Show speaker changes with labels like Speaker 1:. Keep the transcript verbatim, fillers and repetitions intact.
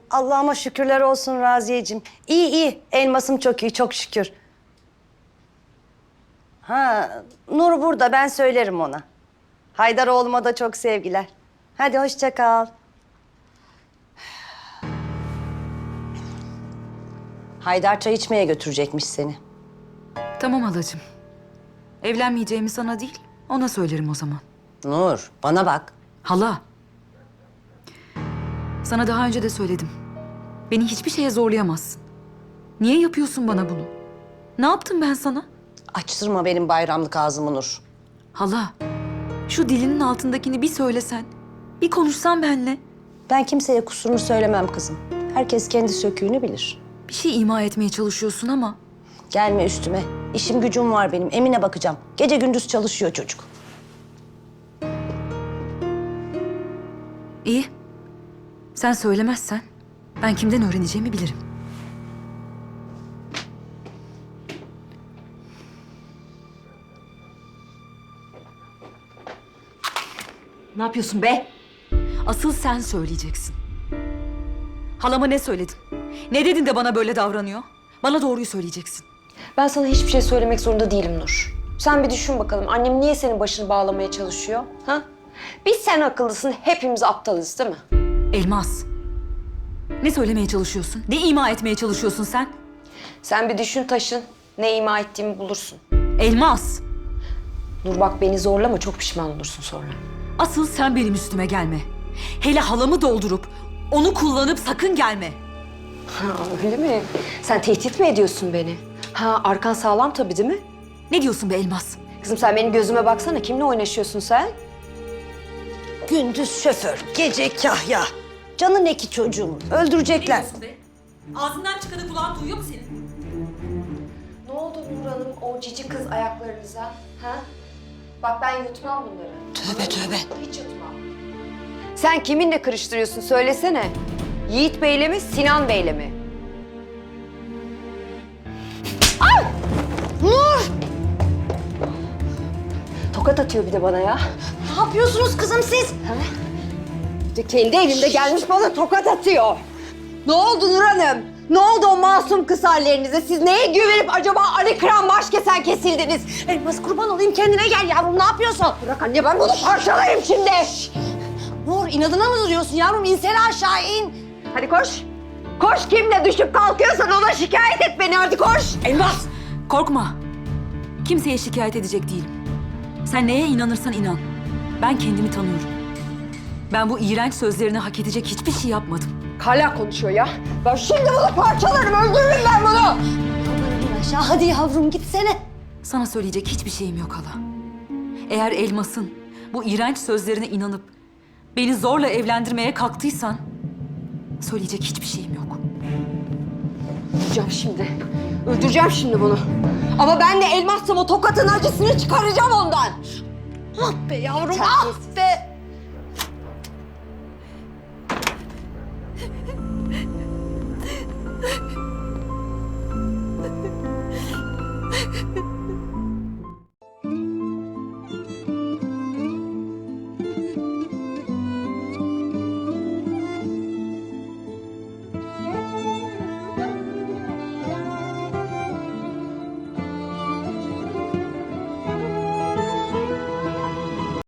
Speaker 1: Allah'ıma şükürler olsun Raziyeciğim. İyi iyi. Elmasım çok iyi, çok şükür. Ha, Nur burada. Ben söylerim ona. Haydar oğluma da çok sevgiler. Hadi hoşça kal. Haydar çay içmeye götürecekmiş seni.
Speaker 2: Tamam halacığım. Evlenmeyeceğimi sana değil, ona söylerim o zaman.
Speaker 1: Nur, bana bak.
Speaker 2: Hala. Sana daha önce de söyledim. Beni hiçbir şeye zorlayamazsın. Niye yapıyorsun bana bunu? Ne yaptım ben sana?
Speaker 1: Açtırma benim bayramlık ağzımı Nur.
Speaker 2: Hala, şu dilinin altındakini bir söylesen, bir konuşsan benimle.
Speaker 1: Ben kimseye kusurunu söylemem kızım. Herkes kendi söküğünü bilir.
Speaker 2: Bir şey ima etmeye çalışıyorsun ama.
Speaker 1: Gelme üstüme. İşim gücüm var benim. Emine bakacağım. Gece gündüz çalışıyor çocuk.
Speaker 2: İyi. Sen söylemezsen ben kimden öğreneceğimi bilirim.
Speaker 3: Ne yapıyorsun be?
Speaker 2: Asıl sen söyleyeceksin. Halama ne söyledin? Ne dedin de bana böyle davranıyor? Bana doğruyu söyleyeceksin.
Speaker 3: Ben sana hiçbir şey söylemek zorunda değilim Nur. Sen bir düşün bakalım, annem niye senin başını bağlamaya çalışıyor? Ha? Biz sen akıllısın, hepimiz aptalız değil mi?
Speaker 2: Elmas. Ne söylemeye çalışıyorsun? Ne ima etmeye çalışıyorsun sen?
Speaker 3: Sen bir düşün taşın, ne ima ettiğimi bulursun.
Speaker 2: Elmas.
Speaker 3: Nur bak beni zorlama, çok pişman olursun sonra.
Speaker 2: Asıl sen benim üstüme gelme. Hele halamı doldurup onu kullanıp sakın gelme.
Speaker 3: Ha öyle mi? Sen tehdit mi ediyorsun beni? Ha arkan sağlam tabii değil mi?
Speaker 2: Ne diyorsun be Elmas?
Speaker 3: Kızım sen benim gözüme baksana, kimle oynaşıyorsun sen?
Speaker 1: Gündüz şoför, gece kahya. Canın eki çocuğumun. Öldürecekler.
Speaker 2: be? Ağzından çıkanı kulağın duyuyor mu senin?
Speaker 3: Ne oldu Nur Hanım o cici kız ayaklarınıza? Ha? Bak ben yutmam bunları.
Speaker 1: Tövbe tövbe.
Speaker 3: Hiç yutmam. Sen kiminle karıştırıyorsun söylesene. Yiğit Bey'le mi, Sinan Bey'le mi? Ay!
Speaker 1: Nur!
Speaker 3: Tokat atıyor bir de bana ya.
Speaker 1: Ne yapıyorsunuz kızım siz?
Speaker 3: Bir de kendi elinde gelmiş bana tokat atıyor. Ne oldu Nur Hanım? Ne oldu o masum kız hallerinize? Siz neye güvenip acaba Ali Kıran baş kesen kesildiniz?
Speaker 1: Elmas kurban olayım kendine gel yavrum ne yapıyorsun?
Speaker 3: Bırak anne ben bunu parçalayayım şimdi.
Speaker 1: Nur inadına mı duruyorsun yavrum? İnsene aşağı in.
Speaker 3: Hadi koş. Koş kimle düşüp kalkıyorsan ona şikayet et beni hadi koş.
Speaker 2: Elmas! Korkma. Kimseye şikayet edecek değilim. Sen neye inanırsan inan. Ben kendimi tanıyorum. Ben bu iğrenç sözlerini hak edecek hiçbir şey yapmadım.
Speaker 3: Hala konuşuyor ya. Ben şimdi bunu parçalarım öldürürüm ben bunu.
Speaker 1: Yavrum in aşağı hadi yavrum gitsene.
Speaker 2: Sana söyleyecek hiçbir şeyim yok hala. Eğer Elmas'ın bu iğrenç sözlerine inanıp beni zorla evlendirmeye kalktıysan söyleyecek hiçbir şeyim yok.
Speaker 3: Öldüreceğim şimdi. Öldüreceğim şimdi bunu. Ama ben de elmassam o tokatın acısını çıkaracağım ondan.
Speaker 1: Ah be yavrum ah be.